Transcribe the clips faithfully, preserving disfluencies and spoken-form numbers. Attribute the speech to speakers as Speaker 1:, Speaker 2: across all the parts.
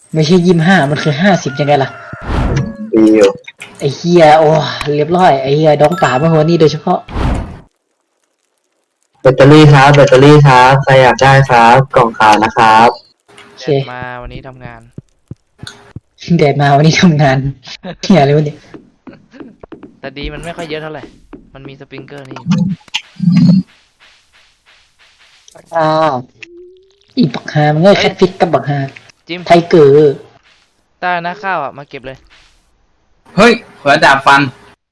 Speaker 1: ไม่ใช่ยี่สิบห้ามันคือห้าสิบยังไงล่ะ
Speaker 2: ดีอยู่
Speaker 1: ไอ้เฮียโอ้เรียบร้อยไอ้เฮียดองป่าเมื่อวันนี้โดยเฉพาะ
Speaker 2: แบตเตอรี่ครับแบตเตอรี่ครับใครอยากได้ครับกล่องขาวนะครับ
Speaker 1: โอเค
Speaker 3: เด็ดมาวันนี้ทำงาน
Speaker 1: แดดมาวันนี้ทำงานเฮียอะไรวะเนี่ย
Speaker 3: แต่ดีมันไม่ค่อยเยอะเท่าไหร่ มันมีสปริงเกอร์นี่
Speaker 1: อ่าอีบักฮามันง่ายแคทฟิกกับบักฮา
Speaker 3: จิม
Speaker 1: ไทเกอร์
Speaker 3: ใต้นะข้าวอ่ะมาเก็บเลย
Speaker 4: เฮ้ยเผื่อดาบฟัน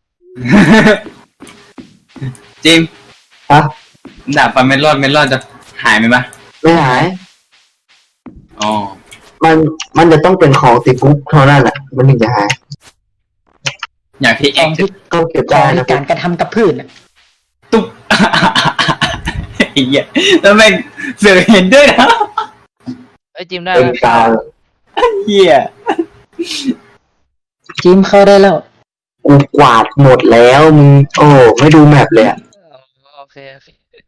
Speaker 4: จิม
Speaker 2: ฮะ
Speaker 4: ดาบฟันไม่รอดไม่รอดจะหายไหมปะ
Speaker 2: ไม่หาย
Speaker 4: อ๋อ
Speaker 2: มันมันจะต้องเป็นของติดคุกเท่านั้นแหละมันถึงจะหาย
Speaker 4: อย่างที่
Speaker 1: ข
Speaker 4: เอ็
Speaker 1: อก ง
Speaker 4: จะ
Speaker 1: ที่
Speaker 2: ก็เก็บ
Speaker 1: ขอ
Speaker 2: ได้
Speaker 1: ง
Speaker 2: นะ
Speaker 1: ที่การกระทำกับพืชน่ะ
Speaker 4: ตุ๊บ ไอ้เหี้ยแล้วแม่งเสือเห็นด้วยนะ
Speaker 3: เอ้ยจิมได้
Speaker 2: เป็น
Speaker 3: แล้ว
Speaker 2: การ
Speaker 4: เหี้ย
Speaker 1: จิมเข้าได้แล้ว
Speaker 2: กูกวาดหมดแล้วมึงโอ้ไม่ดูแมปเลยอะ
Speaker 3: โอเคโอเค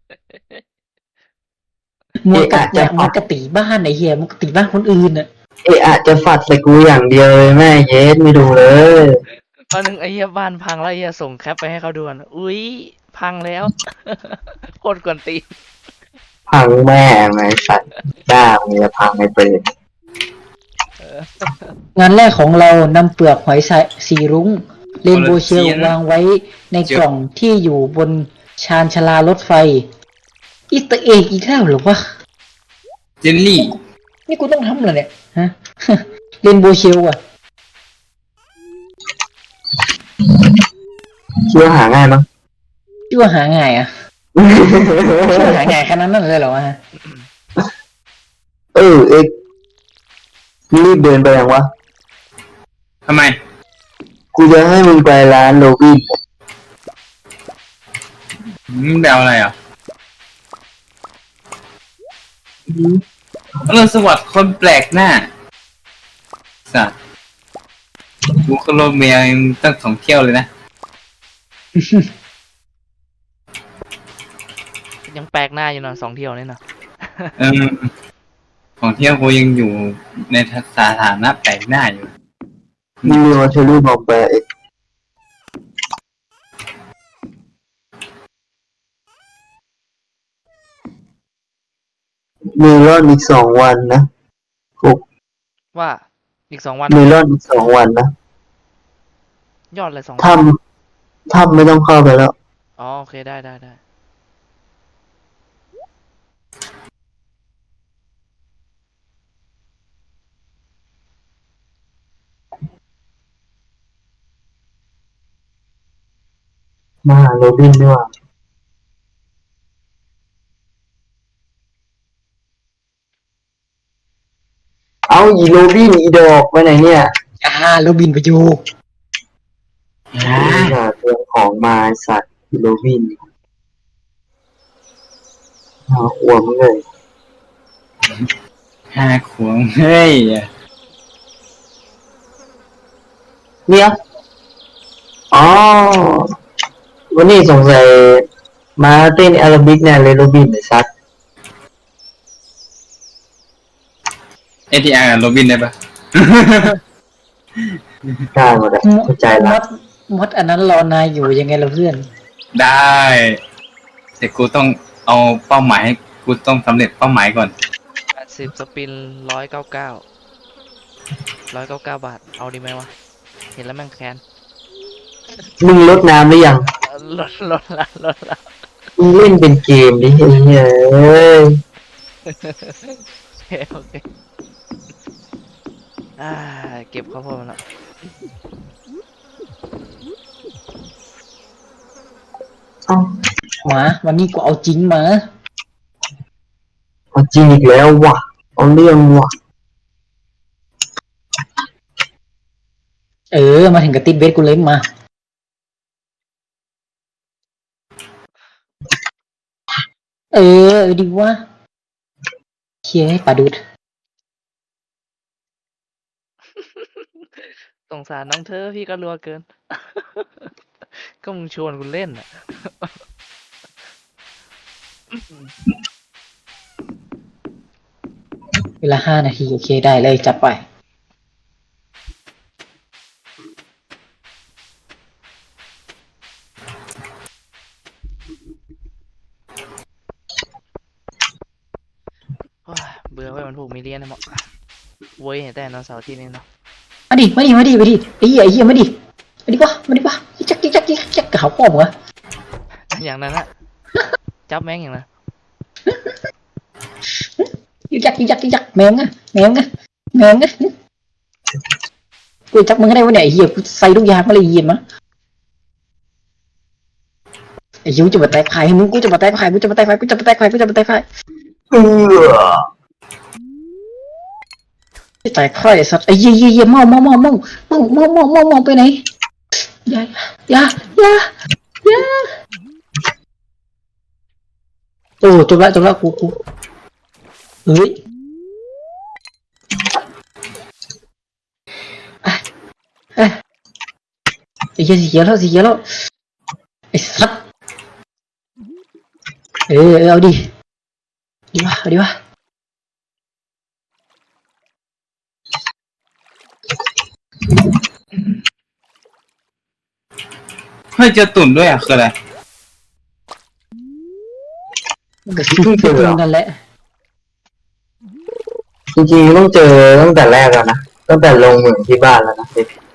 Speaker 1: มัวกะ
Speaker 2: เอ๊ะอาจจะ
Speaker 1: เนี่ยมันกะตีบ้านไอ้เฮียมันกะตีบ้านคนอื่นน่ะ
Speaker 2: เอะอะจะฝัดใส่กูอย่างเดียวเลยแม่เย็ดไม่ดูเลย
Speaker 3: ตอนนึงไอ้เหี้ยบ้านพังแล้วไอ้เหี้ยส่งแคปไปให้เขาดูนะอุ้ยพังแล้ว โคตรกวนตีน
Speaker 2: พังแม่ไงสัตว์จ้ามึงจะพังไอ้เปรต
Speaker 1: งานแรกของเรานำเปลือกหอยสายสีรุ้งเรนโบว์เชลวางไว้ในกล่องที่อยู่บนชานชาลารถไฟอีสเตอร์เอ็กอีกแล้วเหรอวะ
Speaker 4: เจลลี่
Speaker 1: นี่กูต้องทำเหรอเนี่ยฮะ เรนโบว์เชลอ่ะ
Speaker 2: คิดว่าหาง่ายมั้ง
Speaker 1: ชื่อว่าหาง่ายอ่ะชื่อว่าหาง่ายขนาดนั้นเลยเหรอวะฮะ
Speaker 2: เออเอ็กรีบเดินไปยังวะ
Speaker 4: ทำไม
Speaker 2: กูจะให้มึงไปร้านโรบิน
Speaker 4: มึงแบวอะไรอ่ะอรุณสวัสดิ์คนแปลกหน้าสัตว์กูโคโลเมียยังตั้งสองเที่ยวเลยนะ
Speaker 3: ยังแปลกหน้าอยู่หน่อยสองเที่ยวนี่เนาะ
Speaker 4: เออของเที่ยวกูยังอยู่ในสถานะแปลกหน้าอยู่
Speaker 2: มึงเรียกว่าเชอรี่บอกไปเอ็กมีรอนอีกสองวันนะฟุก
Speaker 3: ว่าอีกสองวัน
Speaker 2: มีรอนอีกสองวันนะ
Speaker 3: ยอดเลยสองวัน
Speaker 2: ทำทำไม่ต้องเข้าไปแล้ว
Speaker 3: อ๋อโอเคได้ได้ได้
Speaker 2: มาหาโรบินดีกว่าเอาอีโรบินอีดอกไปไหนเนี่ย
Speaker 1: อ่าแล้วบินไปอยู่
Speaker 2: หาเรื่องของมาไอ้สัตว์อีโรบินหาขวมเลย
Speaker 4: ห้าขวงเฮ้ย
Speaker 2: เนี่ยอ๋อวันนี้สงสัยมาเต้นแอโรบิกแน่เลยโรบินไอ้สัตว์
Speaker 4: เอทีอาร์กับโรบินได้ปะ
Speaker 2: ได้หมดเลยเข้าใจ
Speaker 1: ม
Speaker 2: ละ
Speaker 1: ดมดอันนั้นรอนายอยู่ยังไงล่ะเพื่อน
Speaker 4: ได้ แต่กูต้องเอาเป้าหมายให้กูต้องสำเร็จเป้าหมายก่อน
Speaker 3: แปดสิบสปินร้อยเก้าเก้าร้อยเก้าเก้าบาทเอาดีไหมวะเห็นแล้วแม่งแค้น
Speaker 2: มึงลดน้ำหรือยัง
Speaker 3: เออลดลดละลดละ
Speaker 2: มึงเล่นเป็นเกมดิเฮ้ยเอ้ย
Speaker 3: โอเคโอเคอ่าเก็บข้าวโพดมาแล้ว
Speaker 2: เอ้า
Speaker 1: หมาวันนี้กูเอาจริงมา
Speaker 2: เอาจริงอีกแล้วว่ะเอาเรื่องว่ะ
Speaker 1: เออมาถึงกับติดเวทกูเล่นมา เออเออดีวะเชี่ยปลาดุด
Speaker 3: สงสารน้องเธอพี่ก็รัวเกิน ก็มึงชวนกูเล่นอ่ะ
Speaker 1: เวลาห้านาทีโอเคได้เลยจัดไป
Speaker 3: ลูกมีเลี้ยนนะมั้งเว้ยแต่นอนเสาร์ที่นี่เนาะ
Speaker 1: มาดิมาดิมาดิมาดิไอ้เหี้ยไอ้เหี้ยมาดิมาดิวะมาดิวะจักจักจักจักจักกับเขาป้อมวะ
Speaker 3: อย่างนั้นอะจับแม่งอย่างนั้น
Speaker 1: จักจักจักแมงอะแมงอะแมงอะกูจักมึงได้วะเนี่ยไอ้เหี้ยกูใส่ทุกอย่างมาเลยเหี้ยมั้งไอ้ยูจะมาแตกไข่มึงกูจะมาแตกไข่กูจะมาแตกไข่กูจะมาแตกไข่กูจะมาแตกไข่
Speaker 2: เออ
Speaker 1: แตกไข่สัตว์ไอ้เหี้ยเหี้ยเหี้ยเมาเมาเมาเมาเมาเมาเมาเมาเมาไปไหนอย่าอย่าอย่าอย่าโอ้จบละจบละกูกูเฮ้ยอ่ะอ่ะไอ้เหี้ยสีเขียวแล้วสีเขียวแล้วไอ้สัตว์เออเอาดิดีวะเอาดีวะ
Speaker 4: เฮ้ยเจอตุ่นด้วยอ่ะคืออะไร
Speaker 1: มันก็คือเจอกันแหละ
Speaker 2: จริงๆต้องเจอตั้งแต่แรกแล้วนะตั้งแต่ลงเหมืองที่บ้านแล้วนะ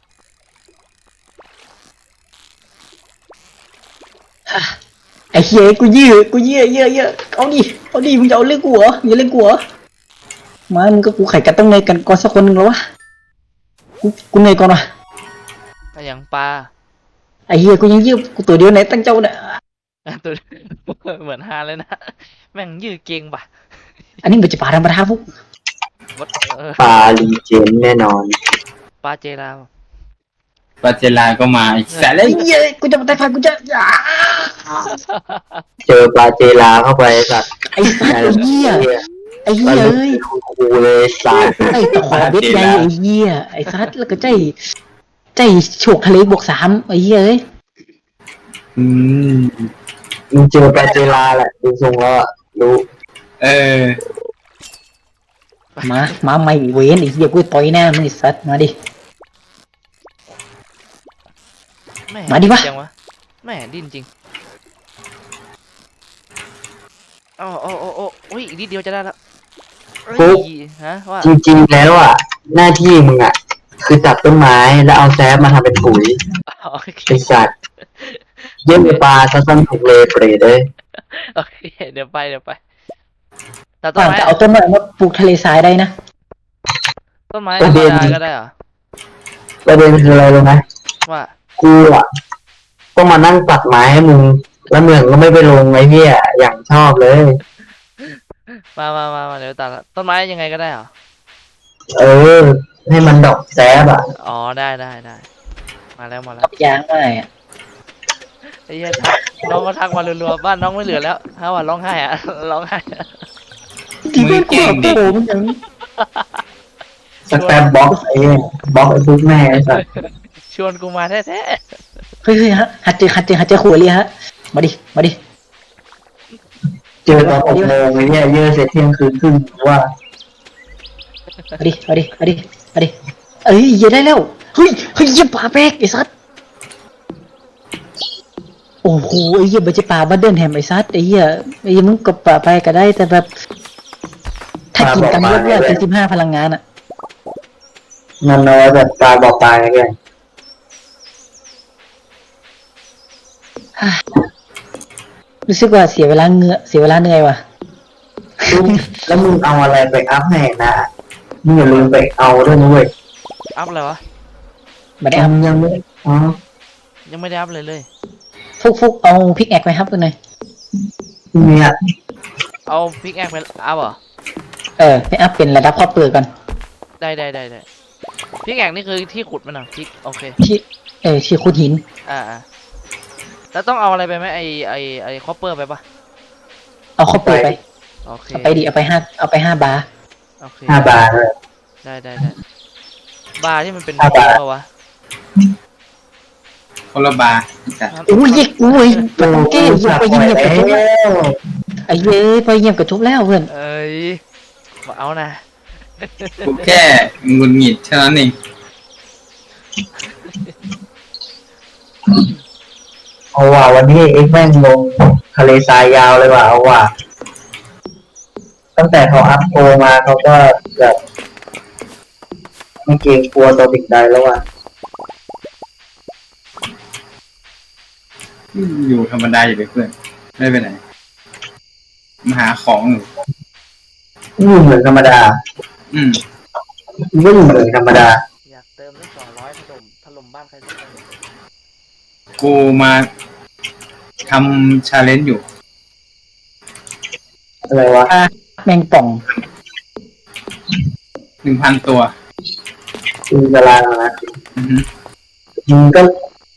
Speaker 1: ไอ้เหี้ยกูยื้อกูยื้อเยอะเยอะเอาดิเอาดิมึงจะเอาเรื่องกูเหรออย่าเล่นกูเหรอมามึงก็กูไข่กันต้องในกันก่อนสักคนหนึ่งแล้ววะกูกูเหนื่อยก่อนวะ
Speaker 3: ก็อย่างปลา
Speaker 1: ไอ้เหี้ยกูยังยื้อกูตัวเดียวไหนตั้งเจ้าเนี่ย
Speaker 3: ตัวเหมือนฮาเลยนะแม่งยืดเก่งป่ะ
Speaker 1: อันนี้มันจะปาธรรมดาพวก
Speaker 3: วัดเออ
Speaker 2: ปลาลีเจนแน่นอน
Speaker 3: ปลาเจลาว
Speaker 4: ปาเจลาก็มาอีกแสนเล
Speaker 1: ไอ้
Speaker 4: ย
Speaker 1: เหี้ยกูจะมาแต่ไฟกูจะอ่า
Speaker 2: เจอปลาเจลาเข้าไปสัตว์
Speaker 1: ไอ้สัตว์ไอ้เหี้ยไอ้เหี้ย
Speaker 2: มัน
Speaker 1: เอ้ย
Speaker 2: คูเลยสัตว์
Speaker 1: ไอ้ตะขอเบ็ดใหญ่ไอ้เหี้ยไอ้สัตว์แล้วก็ใจใจโฉกทะเลบวกสามไอ้เหี้ยเอ้ย
Speaker 4: อืม
Speaker 2: มึงเจอปลาเจลาแหละดูทรงแล้วอะรู้
Speaker 4: เออ
Speaker 1: มามาไม่เว้นไอ้เหี้ยกูต่อยหน้ามึงไอ้สัตว์มาดิ
Speaker 3: แม่
Speaker 1: มาดิวะ
Speaker 3: จังวะแม่ดิ้นจริงโอ้โอ้โอ้โอ้อุ้ยอีกนิดเดียวจะได้แล้วเฮ้ยฮะว่า
Speaker 2: จริงๆแล้วอ่ะ หน้าที่มึงอ่ะ คือจับต้นไม้แล้วเอาแซฟมาทำเป็นปุ๋ย
Speaker 3: โอเค
Speaker 2: ไอสัตว์เยี่ยมปลาซะสั้นถูกเลยเปรตเลย
Speaker 3: โอเคเดี๋ยวไปเดี๋ยวไปแต่ต้น
Speaker 1: ต่าง
Speaker 3: ไม้
Speaker 1: จะเอาต้นไม้มาปลูกทะเลทรายได้นะ
Speaker 3: ต้นไม้ธรรมดาก็ได้เหรอ
Speaker 2: ประเด็นคืออะไรรู้ไหม
Speaker 3: ว่า
Speaker 2: กูอ่ะต้องมานั่งตัดไม้ให้มึง แล้วมึงก็ไม่ไปลงไอ้เหี้ยอย่างชอบเลย
Speaker 3: มามามามาเดี๋ยวตัดละต้นไม้ยังไงก็ได้เหรอ
Speaker 2: เออ ให้มันดอกแซบอ่ะ
Speaker 3: อ๋อได้ได้ได้มาแล้วมาแล้ว
Speaker 1: กับยางไม่อะ
Speaker 3: ไอ้เหี้ยทักน้องก็ทักมารัวๆบ้านน้องไม่เหลือแล้วฮะว่าร้องไห้อะ ร้องไห้อะ
Speaker 1: ที่เพื่อนกูแบบโตมันยัง
Speaker 2: สแตมบ็อกไอ้เหี้ยบล็อกไอ้พวกแม่ไอ้สัตว์
Speaker 3: ชวนกูมาแท้
Speaker 1: เฮ้ยเฮ้ยฮะหัดเจอหัดเจอหัดเจอขวดเลยฮะมาดิมาดิ
Speaker 2: เจอตอนหกโมงไอ้เหี้ยเยอะเสร็จเที่ยงคืนครึ่งว่า
Speaker 1: มาดิมาดิมาดิมาดิเอ้ยเหี้ยได้แล้วเฮ้ยเฮ้ยเหี้ยป่าแป๊กไอ้สัสโอ้โหไอ้เหี้ยมันจะป่าบัดเดิลแฮมไอ้สัสไอ้เหี้ยไอ้เหี้ยมึงกับป่าไปก็ได้แต่แบบถ้ากินกันเยอะๆเป็นสิบห้าพลังงานอ่ะ
Speaker 2: มันน้อยแบบตาบอกตายไง
Speaker 1: รู้สึกว่าเสียเวลาเหงื่อเสียเวลาเหนื่อยว่ะ
Speaker 2: แล้วมึงเอาอะไรไปอัพให้นะมึงอย่าลืมไปเอาด้วยนะเว้ย
Speaker 3: ๆอัพอะไรวะ
Speaker 1: ไม่ได้เอา
Speaker 2: ทำยังไม่อ๋อ
Speaker 3: ยังไม่ได้อัพเลยเลย
Speaker 1: ฟุกฟุกเอาพิกแอคไปครับกันหน่อย
Speaker 2: เนี่ย
Speaker 3: เอาพิกแอคไปอัพเหรอ
Speaker 1: เออไปอัพเป็นระดับครอบเปลือกก่อน
Speaker 3: ได้ได้ได้ได้พิกแอคนี่คือที่ขุดมันเหรอพิกโอเค
Speaker 1: ที่เออที่ขุดหิน
Speaker 3: อ่าอ่าแล้วต้องเอาอะไรไปไหมไอไอไอคอปเปอร์ไปปะ
Speaker 1: เอาครอบเปลือกไป
Speaker 3: โอเค
Speaker 1: เอาไปดิเอาไปห้าเอาไปห้าบาร์
Speaker 3: โอเค
Speaker 2: ห้าบาทเลย
Speaker 3: ได้ได้ได้บาร์ที่มันเป็น
Speaker 2: ห้าบาท
Speaker 3: เปล่าวะ
Speaker 4: คนละบาร์จ้ะ
Speaker 1: อุ้ยยิกอุ้ยไปตองเก้ยไปยิงเงียบกระทุบแล้วไอ้เย้ยไปเงียบกระทุบแล้วเพื่อน
Speaker 3: เอ้ยมาเอานะ
Speaker 4: กูแค่หงุดหงิดเท่านั้นเอง
Speaker 2: เอาว่ะวันนี้เอ็กแม่งลงทะเลทรายยาวเลยว่ะเอาว่ะตั้งแต่เขาอัพโปรมาเขาก็แบบไม่เกรงกลัวตัวสิ่งใดแล้วอ่ะ
Speaker 4: อยู่ธรรมดาอยู่เลยเพื่อนไม่ไปไหนมาหาของอยู่
Speaker 2: อยู่เหมือนธรรมดา
Speaker 4: อืม
Speaker 2: ไม่อยู่เหมือนธรรมดา
Speaker 3: อยากเติมได้สองร้อยถล่มถล่มบ้านใครสักคน
Speaker 4: กูมาทำชาเลนจ์อยู่
Speaker 2: อะไรวะ
Speaker 1: อ่ะแมงป่อง
Speaker 4: หนึ่งพันตัว
Speaker 2: คือเวลานะ
Speaker 4: อือฮึ
Speaker 2: มันก็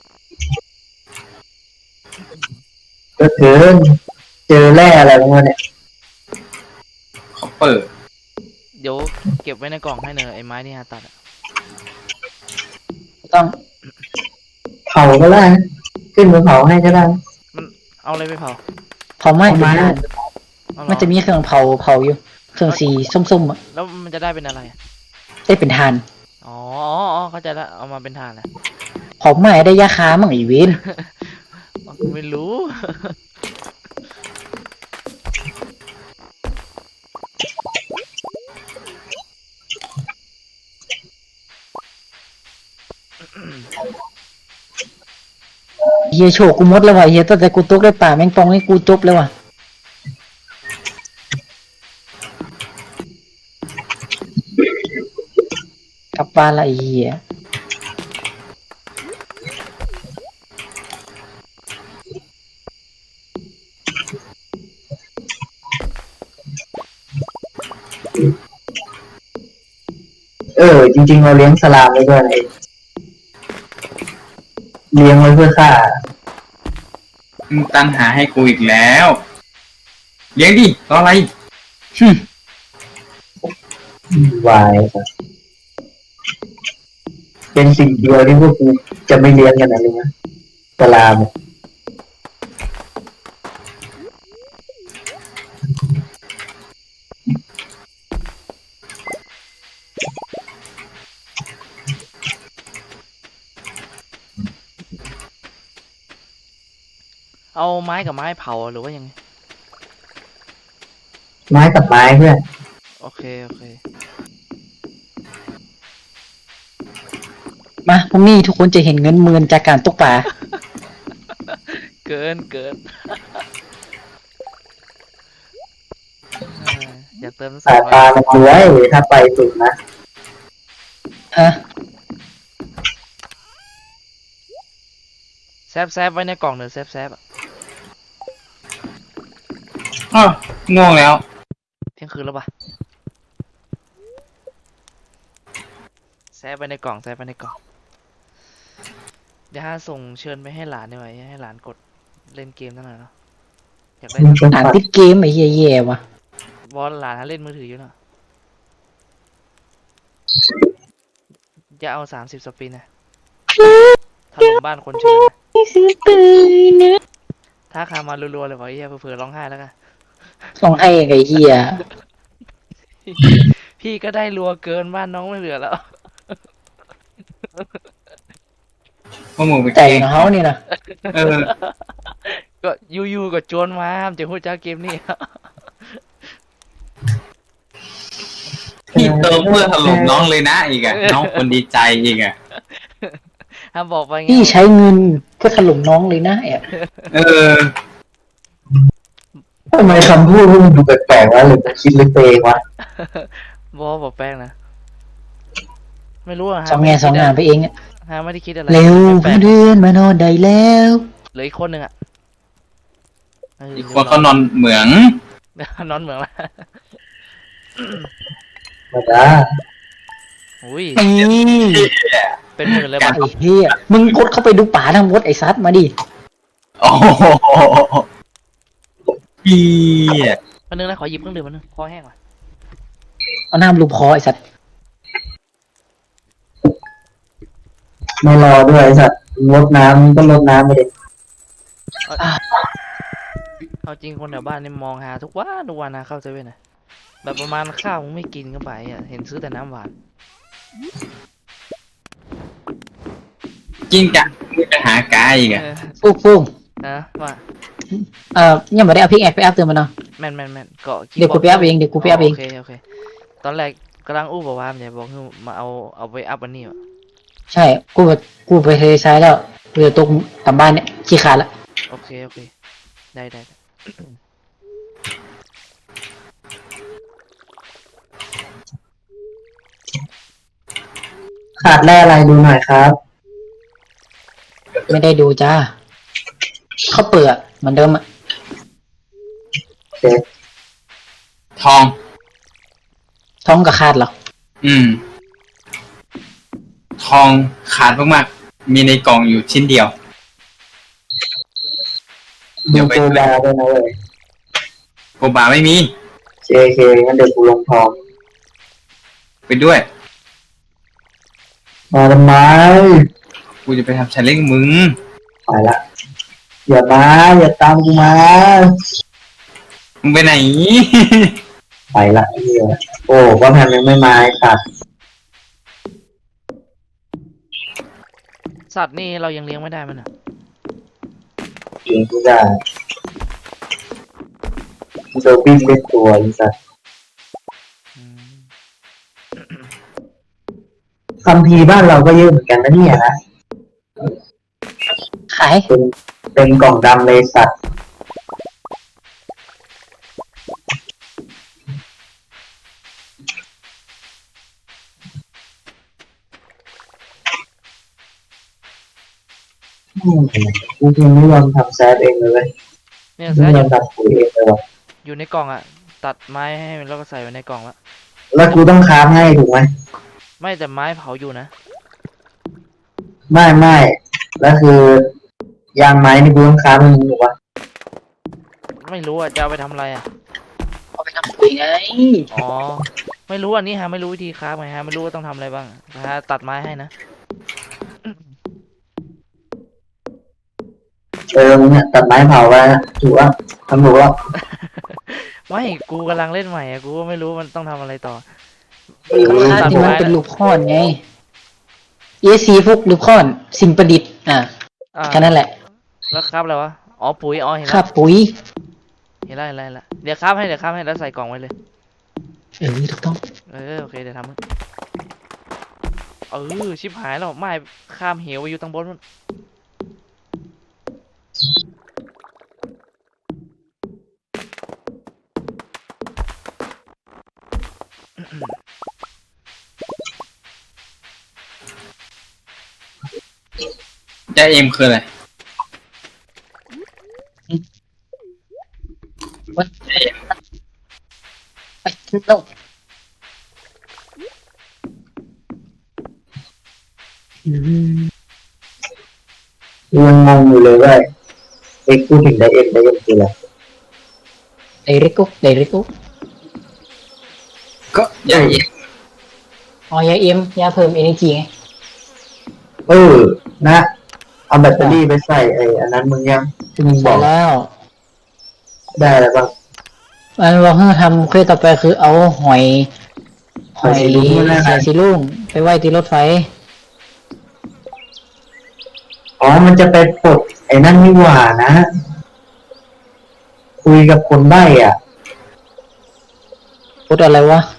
Speaker 2: ก็เกินเจอแร่อะไรพวกนี้เนี่ย
Speaker 4: เขาเปิด
Speaker 3: เดี๋ยวเก็บไว้ในกล่องให้เนอะไอ้ไม้ที่ฮาตัดอะ
Speaker 1: ต้อง
Speaker 2: เผาก็ได้นะขึ้นมาเผาให้ก็ได้
Speaker 3: มันเอาอะไรไปเผา
Speaker 1: เผาไหม้
Speaker 2: เอา
Speaker 1: เป็น
Speaker 2: ไม้
Speaker 1: ทาน
Speaker 3: เอาเหรอ
Speaker 1: มันจะมีเครื่องเผาเผาอยู่ เครื่องสีส้มๆอ่ะ
Speaker 3: แล้วมันจะได้เป็นอะไรอะ
Speaker 1: ได้เป็นทาน
Speaker 3: อ๋ออ๋ออ๋อเข้าใจละเอามาเป็นถ่านนะ
Speaker 1: เผาไหม้ได้ยาคามั่งอีเวน
Speaker 3: อ๋อกูไม่รู้
Speaker 1: เฮียโชคกูหมดแล้วว่ะเฮียตั้งแต่กูตกได้ป่าแมงป่องให้กูจบแล้วว่ะกลับบ้านละไอ้เฮีย
Speaker 2: เออ จริงๆเราเลี้ยงสลามไว้ด้วยนะเองเลี้ยงไว้เพื่อฆ่า
Speaker 4: มึงตั้งหาให้กูอีกแล้วเลี้ยงดิรออะไร
Speaker 1: หึ
Speaker 2: วายเป็นสิ่งเดียวที่พวกกูจะไม่เลี้ยงกันนะเลยนะสลามเนี่ย
Speaker 3: เอาไม้กับไม้เผาหรือว่ายังไง
Speaker 2: ไม้กับไม้เพื่อน
Speaker 3: โอเคโอเค
Speaker 1: มาพรุ่งนี้ทุกคนจะเห็นเงินหมื่นจากการตกปลา
Speaker 3: เกินเกิน เอออยากเติมส
Speaker 2: สา
Speaker 3: อย ง
Speaker 2: ตา
Speaker 3: ร้อย
Speaker 2: มันรวยถ้าไปสุดนะ
Speaker 1: ฮะ
Speaker 3: แซบแซบไว้ในกล่องเนอะแซบแซบอะ
Speaker 4: อ้าวง่วงแล้ว
Speaker 3: เที่ยงคืนแล้วปะแซบไว้ในกล่องแซบไว้ในกล่องเดี๋ยวฮาส่งเชิญไปให้หลานได้ไหมให้หลานกดเล่นเกมตั้งหน่อยเนาะอยากได้
Speaker 2: มึงชม
Speaker 1: อ่าน
Speaker 2: ปัด
Speaker 1: ติดเกมไอ้เฮียแย่ว่ะ
Speaker 3: บอลหลานฮาเล่นมือถืออยู่เนาะจะเอาสามสิบสปินนะถล่มบ้านคนเชิญนะถ้าคามารัวๆเลยวะไอ้เหี้ยเผื่อๆร้องไห้แล้วกัน
Speaker 1: ต้องให้ไอ้เฮีย
Speaker 3: พี่ก็ได้รัวเกินบ้านน้องไม่เหลือแล้ว
Speaker 4: พวกมึงไป
Speaker 1: แต่
Speaker 4: เก่ง
Speaker 1: ของเขานี่นะ
Speaker 4: เออ
Speaker 3: ก็ยูๆก็โจรมาจะพูดจ้าเกมนี่
Speaker 4: พี่เติมเพื่อถล่มน้องเลยนะอีกอะน้องคนดีใจอีกอะ
Speaker 3: ห้ามบอกไปไง
Speaker 1: พี่ใช้เงินเพื่อถล่มน้องเลยนะแอบ
Speaker 4: เออ
Speaker 2: ทำไมคำพูดพวกมึงดูแปลกๆวะหรือมันคิดลึกไปเองวะ
Speaker 3: บอบอกแป้งนะไม่รู้อะ
Speaker 1: สองแง่สองงานไปเองอะ
Speaker 3: ฮาไม่ได้คิดอะไร
Speaker 1: เร็ว
Speaker 3: แปล
Speaker 1: มาก เดือนมานอนได้แล้ว
Speaker 3: ๆเหลืออีกคนหนึ่งอะเ
Speaker 4: อีกคนเขานอนเหมือง
Speaker 3: นอนเหมืองละ
Speaker 2: มาจ้า
Speaker 3: อุ้ย
Speaker 1: นี่
Speaker 3: เป็นหมื่นเลย
Speaker 1: ไอ้
Speaker 3: ป่ะ
Speaker 1: เฮียมึงกดเข้าไปดูป่าทั้งหมดไอ้ซัดมาดิ
Speaker 4: โอ้โหพี่
Speaker 3: วันนึงนะขอหยิบเครื่องดื่มวันนึงคอแห้งว่ะ
Speaker 1: เอาน้ำลูบคอไอ้สัตว์
Speaker 2: ไม่รอด้วยไอ้สัตว์ลดน้ำก็ลดน้ำไปเลย
Speaker 3: เอาจริงคนแถวบ้านนี่มองหาทุกวันทุกวันนะเข้าเซเว่นนะแบบประมาณข้าวมึงไม่กินก็ไปอ่ะเห็นซื้อแต่น้ำหวาน
Speaker 4: จริงจังมีปัญหากายอีกอะ
Speaker 3: เออ
Speaker 1: ฟุ๊กฟุ๊ก
Speaker 3: นะว่า
Speaker 1: เอ่อยังไม่ได้เอาพิกแอคไปอัพเติมมาเนาะ
Speaker 3: แม่นแม่นแม่นเกาะ
Speaker 1: เดี๋ยวกูไปอัพเองเดี๋ยวกูไปอัพเอง
Speaker 3: โอเคโอเคตอนแรกกำลังอู้บอกว่ามันจะบอกให้มาเอาเอาไปอัพอันนี้วะ
Speaker 1: ใช่กูแบบกูไปเทซ้ายแล้วกูจะตกกลับบ้านเนี่ยขี้ขาดละ
Speaker 3: โอเคโอเคได้ได้ได้
Speaker 2: ขาดแร่อะไรดูหน่อยครับ
Speaker 1: ไม่ได้ดูจ้าเขาเปลือกเหมือนเดิมอะ
Speaker 2: โอเค
Speaker 4: ทอง
Speaker 1: ท้องกับขาดเหรอ
Speaker 4: อืม ทองขาดมากๆ มีในกล่องอยู่ชิ้นเดียว เดี๋
Speaker 2: ดู
Speaker 4: ยวไป
Speaker 2: โกบาด้วยนะเว้ย
Speaker 4: โกบาไม่มี
Speaker 2: เคเคงั้นเดี๋ยวกูลงทอง
Speaker 4: ไปด้วย
Speaker 2: มาทำไม
Speaker 4: กูจะไปทำชันเล่งมึง
Speaker 2: ไปละอย่ามาอย่าตามกูมา
Speaker 4: มึงไปไหน
Speaker 2: ไปละเฮียโอ้ก็ทำยังไม่มาไอ้สัตว์
Speaker 3: สัตว์นี่เรายังเลี้ยงไม่ได้มันอ่ะ
Speaker 2: เองกูได้กูจะวิ่งเล่นตัวไอ้สัตว์
Speaker 3: อืม
Speaker 2: คัมภีร์บ้านเราก็เยอะเหมือนกันนะเนี่ยนะ
Speaker 1: ขาย
Speaker 2: เป็นเป็นกล่องดำเลยสัตว์อืมกูยังไม่ยอมทำแซฟเองเลยเว้ย
Speaker 3: เนี่ย
Speaker 2: ไม่
Speaker 3: แซ่
Speaker 2: ย
Speaker 3: อ
Speaker 2: อยู่ มทำปุ๋ยเองเลยว่ะ
Speaker 3: อยู่ในกล่องอ่ะ ตัดไม้ให้มันแล้วก็ใส่ไว้ในกล่องละ
Speaker 2: แล้วกูต้องค้าฟให้ถูกไหม
Speaker 3: ไม่แต่ไม้เผาอยู่นะ
Speaker 2: ไม่ไม่แล้วคือยางไม้นี่กูต้องค้าฟให้มึงถูกปะ
Speaker 3: ไม่รู้อ่ะจะเอาไปทำอะไรอ่ะ
Speaker 1: เอาไปทำปุ๋ยไง
Speaker 3: อ๋อไม่รู้อันนี้ฮะไม่รู้วิธีค้าฟไงฮะไม่รู้ว่าต้องทำอะไรบ้างฮะตัดไม้ให้นะ
Speaker 2: เออมึงเนี่ยตัดไม้เผาไปนะถูกปะทำถูกปะ
Speaker 3: ไม่กูกำลังเล่นใหม่อ่ะกูก็ไม่รู้มันต้องทำอะไรต่อ
Speaker 1: ค่าที่มันเป็นลูกค้อนไง เอซีพวกลูกค้อนสิ่งประดิษฐ์อ่ะ
Speaker 3: อ่า
Speaker 1: แค่นั้นแหละ
Speaker 3: แล้วครับอะไรวะอ๋อปุ๋ยอ๋อเห็น
Speaker 1: ค่า
Speaker 3: แล้ว
Speaker 1: ปุ๋ย
Speaker 3: เห็นแล้วเห็นแล้วเห็นแล้วเดี๋ยวครับให้เดี๋ยวครับให้แล้วใส่กล่องไว้เลย
Speaker 1: เออถูกต้อง
Speaker 3: เออโอเคเดี๋ยวทำเออชิบหายแล้วไม่ข้ามเหวไปอยู่ตรงบนนู่น
Speaker 4: จะเอ็มคืออะไร
Speaker 1: วัดไปโลกอืม
Speaker 2: กูยังงงอยู่เลยว่าเอ็กซ์พูดถึงไดเอ็มไดเอ็มคืออะไร
Speaker 1: ไดเรกุกไดเรกุก
Speaker 4: ก็อย่าเอ็ม
Speaker 1: อ๋อยาเอ็มยาเพิ่มเอเนจีไง
Speaker 2: เออนะ เอาแบตเตอรี่ไปใส่ไอ้อันนั้นมึงยังที่มึงบ
Speaker 1: ใช่
Speaker 2: อก
Speaker 1: แล้ว
Speaker 2: ได้แล้วบ้าง
Speaker 1: อันเราเพิ่งทำเควสต่อไปคือเอาหอย หอย
Speaker 2: หอยสีรุ้งนั่นแหละ
Speaker 1: หอยสีลุงไปไว้ที่รถไฟ
Speaker 2: อ๋อมันจะไปปลดไอ้นั่นนี่หว่านะ คุยกับคนใบ้อ่ะ
Speaker 1: พูดอะไรวะ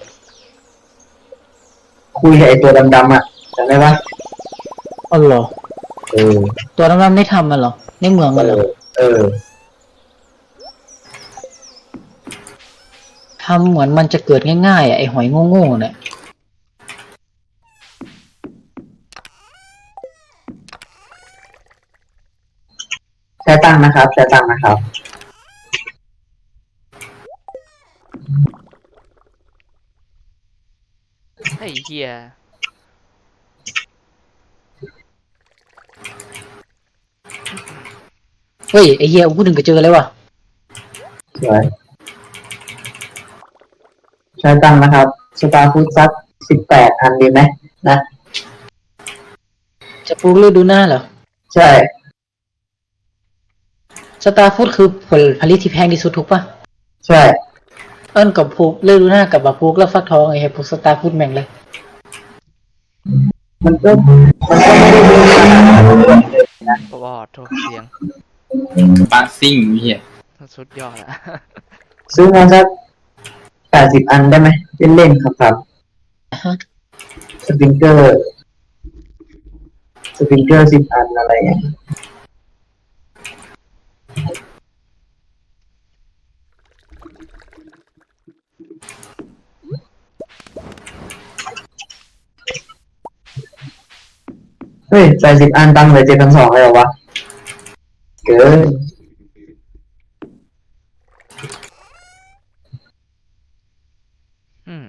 Speaker 2: คุยกับไอ้ตัวดำๆอ่ะจำได้ปะ
Speaker 1: อ๋อเหรอ
Speaker 2: เออ
Speaker 1: ตัวน้ำๆได้ทำมันเหรอ ในเมืองมันเหรอ
Speaker 2: เออ
Speaker 1: ทำเหมือนมันจะเกิดง่ายๆอ่ะไอหอยโง่ๆเนี่ย
Speaker 2: ใช้ตังค์นะครับใช้ตังค์นะครับ
Speaker 3: ไอ้เหี้ย
Speaker 1: เฮ้ยไอเฮียกูถึงก็เจอเลยวะ
Speaker 2: สวยใช้ตังค์นะครับสตาร์ฟูดซักสิบแปดอันดีไหมนะ
Speaker 1: จะปลูกฤดูหน้าเหรอ
Speaker 2: ใช่
Speaker 1: สตาร์ฟูดคือผลผลิตที่แพงที่สุดถูกปะ
Speaker 2: ใช่
Speaker 1: เอิ้นกับปลูกฤดูหน้ากับบักปลูกแล้วฟักทองไอ้เหี้ยปลูกสตาร์ฟูดแม่งเลย
Speaker 2: มันก็มันก็ไม่ได้เยอะขนาดนั้นเลยนะ
Speaker 3: บอดโทษเสียง
Speaker 4: ปาซิ่งเฮีย
Speaker 3: สุดยอดอะ
Speaker 2: ซื้อมาสักแปดสิบอันได้ไหมเล่นๆครับครับ
Speaker 1: ฮะ
Speaker 2: สปริงเกอร์สปริงเกอร์สิบอันอะไรอย่างเงี้ยเฮ้ยแปดสิบอันตังค์เหลือเจ็ดพันสองเลยเหรอวะ เกิน
Speaker 3: อืม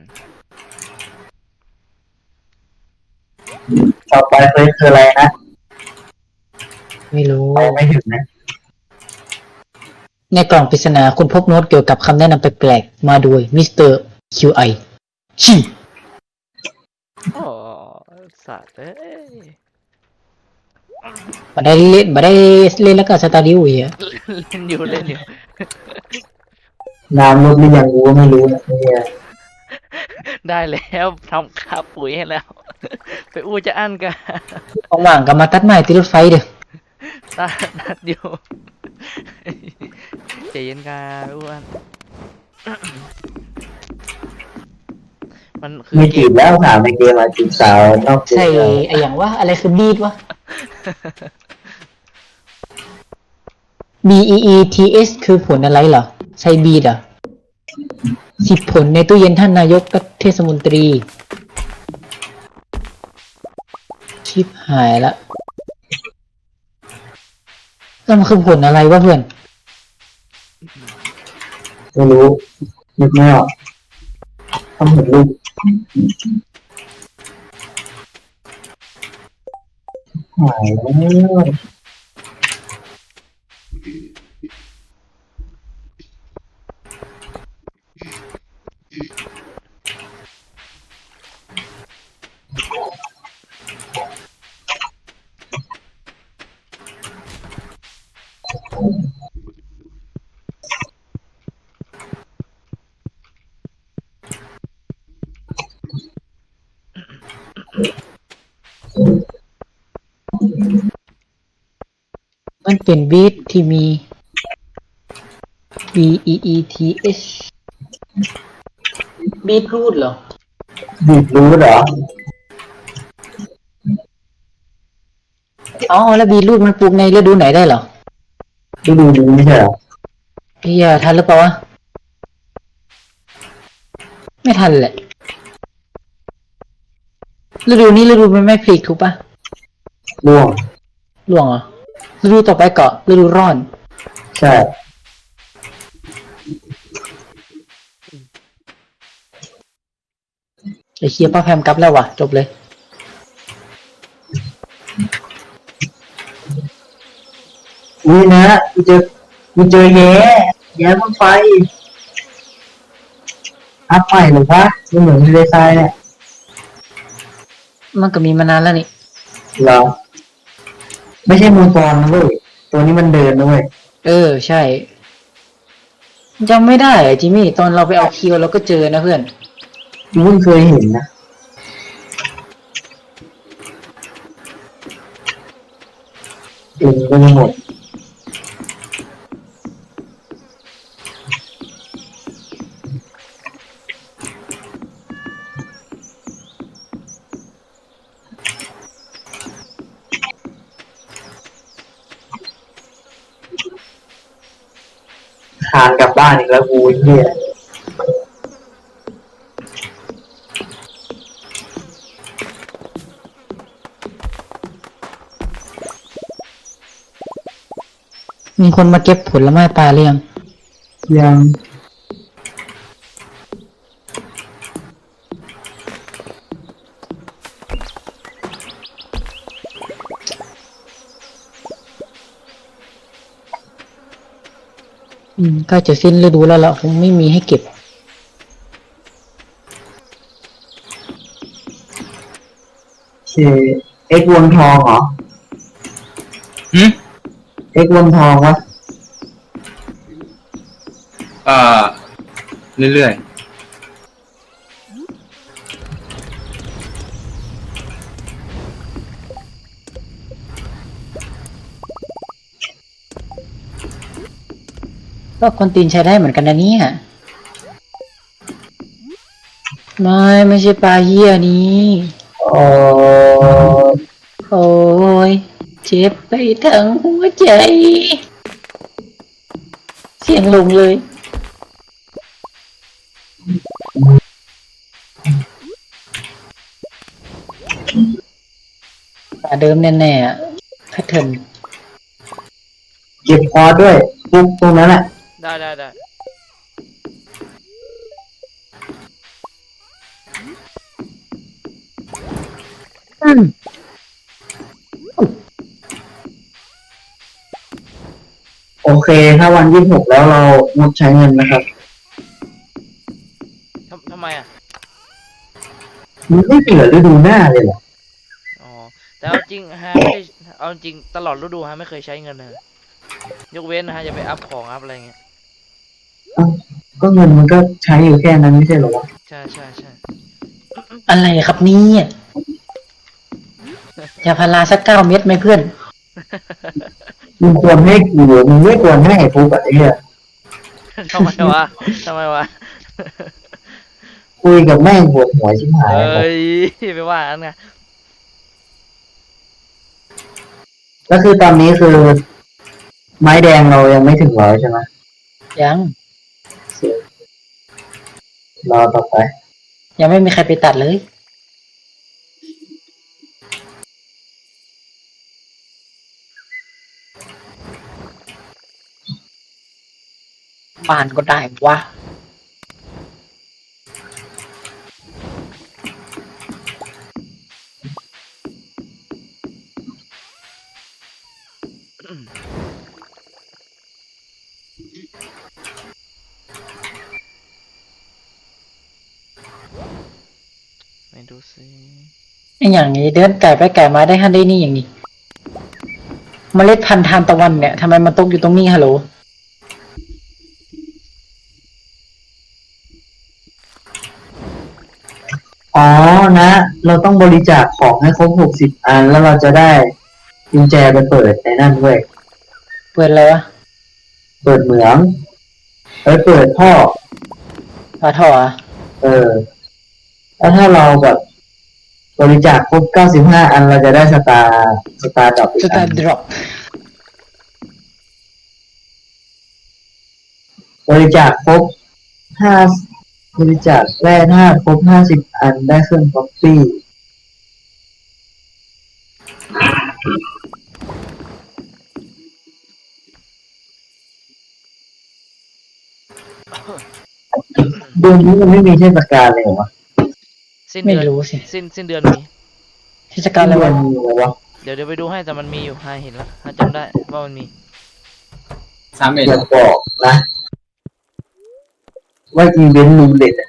Speaker 2: ต่อไปเฟซคืออะไรนะ
Speaker 1: ไม่รู้
Speaker 2: ไปไม่ถึงนะ
Speaker 1: ในกล่องปริศนาคุณพบโน้ตเกี่ยวกับคำแนะนำแปลกๆมาโดยมิสเตอร์คิวไอชิ
Speaker 3: โอ้สัตว์เอ้ย
Speaker 1: มาได้เล่นมาได้เล่นแล้วก็สตาร์ดิวอีกอะ
Speaker 3: เล่นอยู่เล่นอยู่
Speaker 2: น้ำลดหรือยังกูก็ไม่รู้นะเนี่ย
Speaker 3: ได้แล้วทำค่าปุ๋ยให้แล้ว ไปอู้จะอั้นกัน
Speaker 1: ว่างๆก็มาตัดไม้ติดรถไฟเด้อ
Speaker 3: ตัดตัดอยู่ใจเย็นกันอ้วนมันคือ
Speaker 2: ไม่
Speaker 3: เก
Speaker 2: จี
Speaker 3: ม
Speaker 2: บแล้วถามในเกมมาจีบสาวนอกเกม
Speaker 1: ใช่ไออย่างว่าอะไรคือบีดวะ B E E T S คือผลอะไรเหรอ ใช่บีดอ่ะสิบผลในตู้เย็นท่านนายกเทศมนตรี ชิบหายละแล้วมันคือผลอะไรวะเพื่อน
Speaker 2: ไม่รู้นึกไม่ออกทำเหมือนลูกหายแล้ว
Speaker 1: มันเป็นบีทที่มี B E E T H บีทรูทเหรอ
Speaker 2: บีบรู้เหรอ
Speaker 1: อ๋อ แล้วบีทรูทมันปลูกในฤดูไหนได้เหรอ
Speaker 2: ที่ดูดีไม่ใช่เหรอ
Speaker 1: พี่อะทันหรือเปล่าวะ ไม่ทันแหละ ฤดูนี้ฤดูมันไม่พลิกถูกปะ
Speaker 2: ร่วง
Speaker 1: หลวงเหรอ ฤดูต่อไปเกาะฤดูร้อน
Speaker 2: ใช่
Speaker 1: ไอเคียป้าแพมกลับแล้ววะจบเลย
Speaker 2: อุ้ยนะกูเจอกูเจอแย่แย่บนไฟอัพใหม่หรือวะไม่เหมือนทะเลทรายเนี่ย
Speaker 1: มันก็มีมานานแล้วนี่
Speaker 2: เหรอไม่ใช่มูฟอนนะเว้ยตัวนี้มันเดินนะเว้ย
Speaker 1: เออ ใช่จำไม่ได้อะจิมมี่ ตอนเราไปเอาคิวเราก็เจอนะเพื่อน
Speaker 2: กูเพิ่งเคยเห็นนะเองก็ไม่หมดคานกลับบ้านอีกแล้วกูไอ้เหี้ย
Speaker 1: มีคนมาเก็บผลไม้ปลาหรือยัง
Speaker 2: ยัง
Speaker 1: อืมใกล้จะสิ้นฤดูแล้วล่ะคงไม่มีให้เก็บ
Speaker 2: เคเอ็กซ์วงทองเหรอ
Speaker 4: หืม
Speaker 2: เอ็กซ์วงทองวะ
Speaker 4: เอ่อเรื่อย
Speaker 1: ก็คนตีนใช้ได้เหมือนกันนะเนี่ยไม่ไม่ใช่ปลาเหี้ยนี้
Speaker 2: โอ้
Speaker 1: โอ้ยเจ็บไปทั้งหัวใจ เสียงลงเลยปลาเดิมแน่ๆอะแพทเทิร์น
Speaker 2: เก็บคอร์สด้วยปุ๊บตรงนั้นแหละ
Speaker 3: ได้ได้ได้
Speaker 1: อืม
Speaker 2: โอเค ถ้าวันยี่สิบหกแล้วเรางดใช้เงินนะครับ
Speaker 3: ทำทำไมอ่ะ
Speaker 2: มันไม่เหลือฤดูหน้าเลยเหรอ
Speaker 3: อ๋อ แต่เอาจริงฮะไม่ได้เอาจริงตลอดฤดูฮะไม่เคยใช้เงินเลยยกเว้นนะฮะจะไปอัพของอัพอะไรเงี้ย
Speaker 2: เอ้าก็เงินมันก็ใช้อยู่แค่นั้นไม่ใช่เหรอวะ
Speaker 3: ใช่ใช่ใช่
Speaker 1: อะไรครับเนี่ยยาพาราสักเก้าเม็ดไหมเพื่อน
Speaker 2: มึงควรให้กูมึงไม่ควรให้ไอ้ปุ๊บอะไอ้เหี้ย
Speaker 3: ทำไมวะทำไมวะ
Speaker 2: คุยกับแม่งปวดหัวชิบหาย
Speaker 3: เอ้ยไปว่าอันไง
Speaker 2: แล้วคือตอนนี้คือ ไม้แดงเรายังไม่ถึงร้อยใช่ไหม
Speaker 1: ยัง
Speaker 2: รอต่อไป
Speaker 1: ยังไม่มีใครไปตัดเลยบ้านก็ได้วะ
Speaker 3: ไม่ดูสิ
Speaker 1: ไอ้อย่างนี้เดินไก่ไปไก่มาได้ฮันได้นี่อย่างนี้เมล็ดพันธุ์ทานตะวันเนี่ยทำไมมันตกอยู่ตรงนี้ฮัลโหล
Speaker 2: อ๋อนะ เราต้องบริจาคของให้ครบหกสิบอัน แล้วเราจะได้กุญแจไปเปิดในนั่นด้วย
Speaker 1: เปิดเลยวะ
Speaker 2: เปิดเหมืองเอ้ยเปิดท่อ
Speaker 1: ปลาท่ออะ
Speaker 2: เออ แล้วถ้าเราแบบบริจาคครบเก้าสิบห้าอันเราจะได้สตาร์สตาร์ดรอปอี
Speaker 1: ส
Speaker 2: ก
Speaker 1: ตา
Speaker 2: อัน
Speaker 1: ร์ดรอป
Speaker 2: บริจาคครบห้าบริจาคแร่ธาตุครบห้าสิบอันได้เครื่องคอฟฟี่ เดือนนี้มันไม่มีเทศกาลเลยเหรอวะ
Speaker 3: สิ้น
Speaker 1: ไม่
Speaker 3: เดือน
Speaker 1: รู้สิ
Speaker 3: สิ้นสิ้นเดือนมี
Speaker 1: เทศกาลอะไร
Speaker 2: เดือ
Speaker 1: วะ
Speaker 2: นมีเหรอวะ
Speaker 3: เดี๋ยวเดี๋ยวไปดูให้แต่มันมีอยู่ฮะเห็นแล้วฮะจำได้ว่ามันมี
Speaker 4: สามเอ็ด
Speaker 2: อย่าบอกนะว่าอีเวนต์รูเล็ตอะ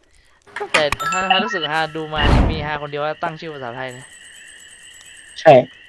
Speaker 3: แต่ฮาฮารู้สึกฮาดูมานี่มีฮาคนเดียวว่าตั้งชื่อภาษาไทยนะ
Speaker 1: ใช่